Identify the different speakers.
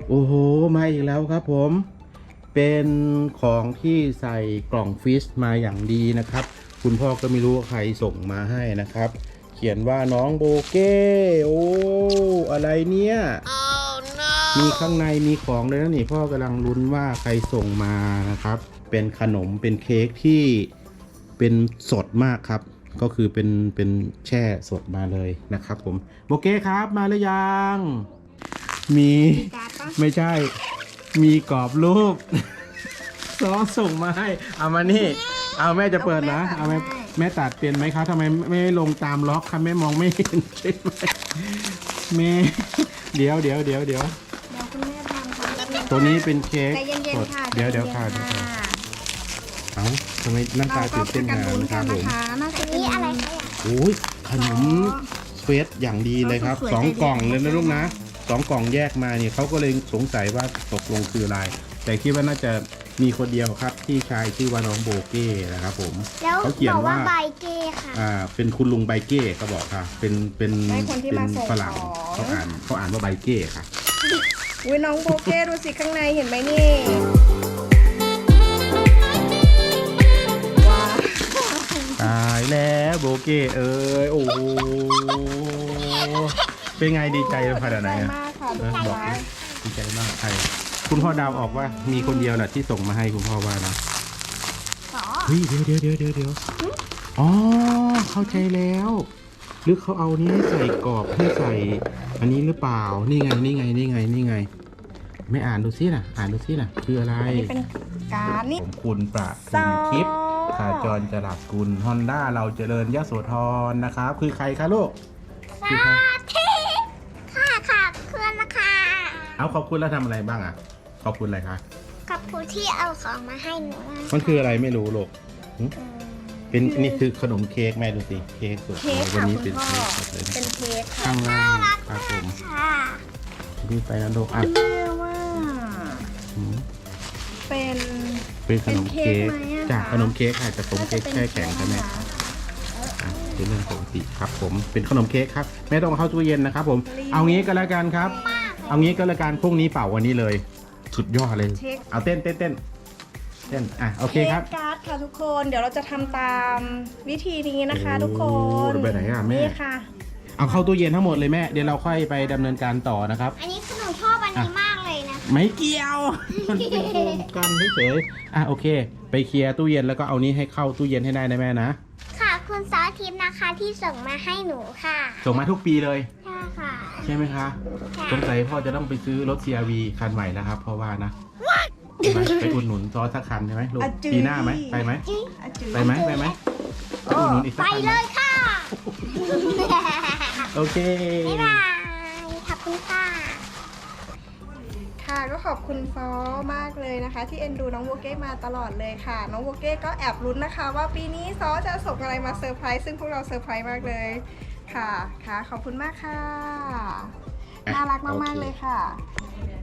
Speaker 1: โอ้โหมาอีกแล้วครับผมเป็นของที่ใส่กล่องฟิชมาอย่างดีนะครับคุณพ่อก็ไม่รู้ว่าใครส่งมาให้นะครับเขียนว่าน้องโบเก้โอ้อะไรเนี่ย oh, no. มีข้างในมีของเลยนะนี่พ่อกำลังลุ้นว่าใครส่งมานะครับเป็นขนมเป็นเค้กที่เป็นสดมากครับก็คือเป็นแช่สดมาเลยนะครับผมโบเก้ครับมาหรือยังมีไม่ใช่มีกรอบรูปซอส่งมาให้เอามานี่เอาแม่จะเปิดนะเอาแม่ตัดเป็นไหมครับทำไมไม่ลงตามล็อกครับแม่มองไม่เห็นใช่ไหมแม่เดี๋ยว
Speaker 2: คุณแม่ทำค่ะ
Speaker 1: ตัวนี้เป็นเค้ก
Speaker 2: ใจเย็นๆค่ะ
Speaker 1: เดี๋ยวค่ะเอาทำไมหน้าตาตื่นเต้นขนาดนั้นครับผม
Speaker 2: นี่อะไรคะ
Speaker 1: โอ้ยขนมเฟสอย่างดีเลยครับ2 กล่องเลยนะลูกนะ2 กล่องแยกมาเนี่ยเขาก็เลยสงสัยว่าตกลงคืออะไรแต่คิดว่าน่าจะมีคนเดียวครับที่ชายชื่อว่าน้องโบเก้นะครับผมเขาเขียนว่า
Speaker 2: ใบเก้ค่ะ
Speaker 1: เป็นคุณลุงใบเก้เขาบอกค่ะเป็นฝรั่งเขาอ่านว่าใบเก้ค่ะ
Speaker 2: อุ้ยน้องโบเก้ดูสิข้างในเห็นไหมนี่ว้าว
Speaker 1: ตายแล้วโบเก้เอ้ยโอ้โหเป็นไงดีใจขนาดไหนอะบอกดีใจมากใครคุณพ่อดาวออกว่ามีคนเดียวแหละที่ส่งมาให้คุณพ่อว่านะเฮ้ยเดี๋ยวอ๋อเข้าใจแล้วหรือเขาเอานี้ให้ใส่กรอบให้ใส่อันนี้หรือเปล่านี่ไงไม่อ่านดูซินะคืออะไร
Speaker 2: เป็นการนี่
Speaker 1: ผมคุณประทุมทิพย์ขาจรจรัสกุลฮอนด้าเราเจริญยโสธรนะครับคือใครคะลูก
Speaker 2: คือใครค่ะเพื่อนนะคะ
Speaker 1: เอาขอบคุณแล้วทำอะไรบ้างอ่ะขอบคุณอะไรคะ
Speaker 2: ขอบคุณที่เอาของมาให้หนู
Speaker 1: มันคืออะไรไม่รู้ลูกเป็นนี่คือขนมเค้กแม่ดูสิเค้กสดวันนี้เป็นเค้ก
Speaker 2: เป็นเค้ก
Speaker 1: ข้างล่างครับผมนี่ไปนะลูกอ่ะเป็นขนมเค้กจากขนมเค้กค่ะจากขนมเค้กแช่แข็งใช่ไหมเป็นเรื่องปกติครับผมเป็นขนมเค้กครับไม่ต้องเข้าตู้เย็นนะครับผมเอางี้ก็แล้วกันครับเอางี้ก็แล้วกันพรุ่งนี้เป่าวันนี้เลยสุดยอดเลยเอาเต้นอ่ะโอเคครับ
Speaker 2: การ์ดค่ะทุกคนเดี๋ยวเราจะทำตามวิธีนี้นะคะทุกคน
Speaker 1: ไปไหนอ่ะแม่
Speaker 2: ค่ะ
Speaker 1: เอาเข้าตู้เย็นทั้งหมดเลยแม่เดี๋ยวเราค่อยไปดำเนินการต่อนะครับ
Speaker 2: อันนี้คือหนูชอบอันนี้มากเลยนะ
Speaker 1: ไม่เกี่ยวมันเป็นโครงกันเฉยๆอ่ะโอเคไปเคลียร์ตู้เย็นแล้วก็เอานี้ให้เข้าตู้เย็นให้ได้นะแม่นะ
Speaker 2: ค่ะคุณซอทิพย์นะคะที่ส่งมาให้หนูค่ะ
Speaker 1: ส่งมาทุกปีเลย
Speaker 2: ใช่ค่ะ
Speaker 1: ใช่ไหมคะสงสัยพ่อจะต้องไปซื้อรถ CRV คันใหม่นะครับเพราะว่านะไปอุดหนุนซอสักคันใช่ไหมลูกปีหน้าไหมไปไหมไปอุดหนุนอีกสักคัน
Speaker 2: ไปเลยค่ะ
Speaker 1: โอเค
Speaker 2: บ๊ายบายขอบคุณค่ะค่ะก็ขอบคุณซอมากเลยนะคะที่เอ็นดูน้องโบเก้มาตลอดเลยค่ะน้องโบเก้ก็แอบลุ้นนะคะว่าปีนี้ซอจะส่งอะไรมาเซอร์ไพรส์ซึ่งพวกเราเซอร์ไพรส์มากเลยค่ะขอบคุณมากค่ะน่ารักมากๆเลยค่ะ